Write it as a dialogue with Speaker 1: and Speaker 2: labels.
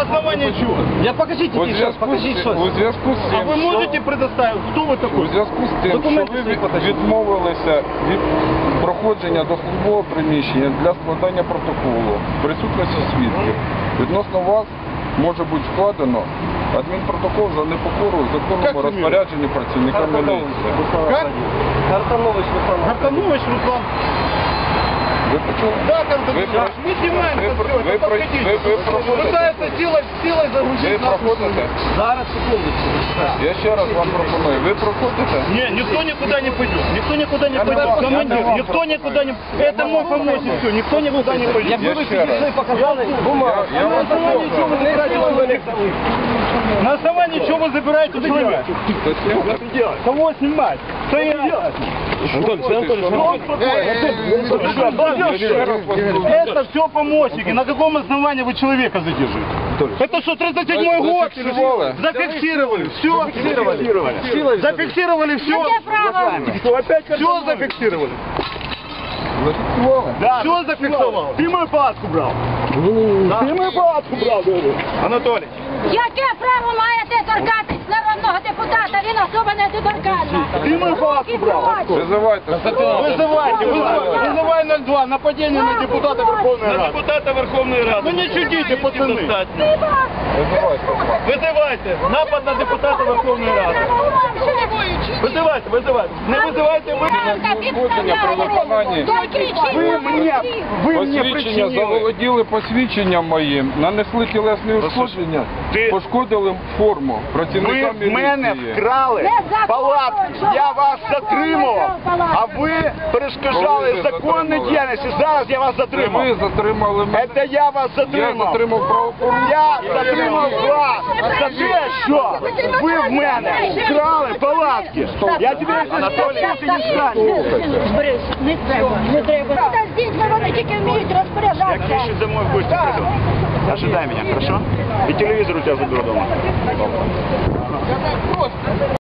Speaker 1: На основании чего?
Speaker 2: Я покажите,
Speaker 3: У зв'язку з
Speaker 1: А
Speaker 3: цим,
Speaker 1: вы можете предоставить? Кто вы
Speaker 3: у
Speaker 1: такой?
Speaker 3: зв'язку з тим, що
Speaker 1: Документи
Speaker 3: ви
Speaker 1: свої покажіть.
Speaker 3: відмовилися від проходження до службового приміщення для складання протоколу в присутності свідків, відносно вас може бути складено адмінпротокол за непокору законному розпорядженні працівника міліції.
Speaker 1: Как?
Speaker 2: Картанович Руслан.
Speaker 1: Гартанович Руслан.
Speaker 3: Ви почули?
Speaker 1: Да, Гартанович, мы снимаем это все, это подходите. Пытается силой загрузить
Speaker 3: Ви
Speaker 1: нас.
Speaker 3: проходите?
Speaker 2: Зараз, секундочку.
Speaker 3: Я ще раз вам пропоную. Ви проходите?
Speaker 1: Не, никто никуда не пойдет. Никто никуда не пойдет. Командир, никто никуда не... Это мой помощник, все. Никто никуда не пойдет.
Speaker 2: Якби ви
Speaker 3: ще раз.
Speaker 2: підійшли, показали бумагу.
Speaker 3: Я вам
Speaker 1: На основании чего вы забираете человека? Кого снимать? Это все помощники. На каком основании вы человека задерживаете? Это что, 37-й год? Зафиксировали. Все. Зафиксировали все. Все зафиксировали.
Speaker 3: Зафіксували?
Speaker 1: Все зафиксировал. Ты мою палатку брал. Ты мою палатку брал, говорю. Анатолий.
Speaker 4: Яке право маєте торкатись народного депутата? Він особа не доторканна.
Speaker 1: Ти мою палатку брав.
Speaker 3: Визивайте.
Speaker 1: Вызывай 02. Нападение на депутата Верховной Рады. На депутата Верховной Рады. Ну не чудите, пацаны. Вызывайте. Напад на депутата Верховной Рады. Вызывайте. Не вызывайте вы. Ви мені
Speaker 3: Посвідчення заволоділи посвідченням моїм, нанесли тілесні ушкодження, пошкодили форму працівника
Speaker 1: Ви в мене
Speaker 3: міліції.
Speaker 1: вкрали палатку, я вас затримував, а ви перешкоджали законній діяльності. Зараз я вас затримав.
Speaker 3: Ви затримали мене.
Speaker 1: Це я вас
Speaker 3: Я
Speaker 1: затримав.
Speaker 3: затримав правопорушення.
Speaker 1: Я затримав вас за те, що ви в мене вкрали палатки. Я тебе Анатолій, ти не станеш.
Speaker 4: Борис, не треба. Та з дітьми вони тільки вміють
Speaker 1: Я к
Speaker 4: розпоряджатися.
Speaker 1: Мише домой в гости приду. Ожидай меня, хорошо? И телевизор у тебя заберу дома.